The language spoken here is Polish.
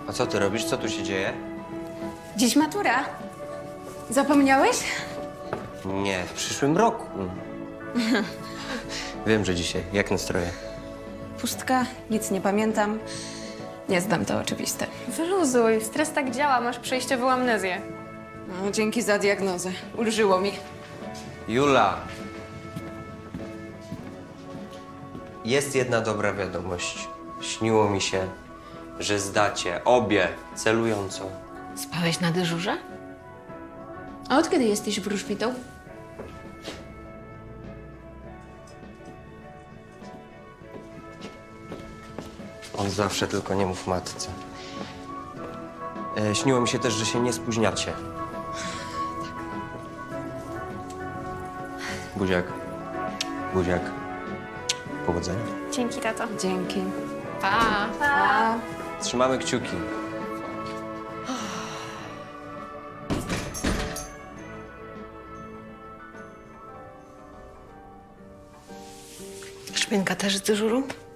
A co ty robisz? Co tu się dzieje? Dziś matura. Zapomniałeś? Nie, w przyszłym roku. Wiem, że dzisiaj. Jak nastroje? Pustka, nic nie pamiętam. Nie zdam, to oczywiste. Wyluzuj, stres tak działa, masz przejściową amnezję. No, dzięki za diagnozę. Ulżyło mi. Jula! Jest jedna dobra wiadomość. Śniło mi się, że zdacie obie celująco. Spałeś na dyżurze? A od kiedy jesteś wróżbitą? On zawsze, tylko nie mów matce. Śniło mi się też, że się nie spóźniacie. Buziak. Buziak. Powodzenia. Dzięki, tato. Dzięki. Pa! A, Trzymamy kciuki. Szpinka też z dyżuru?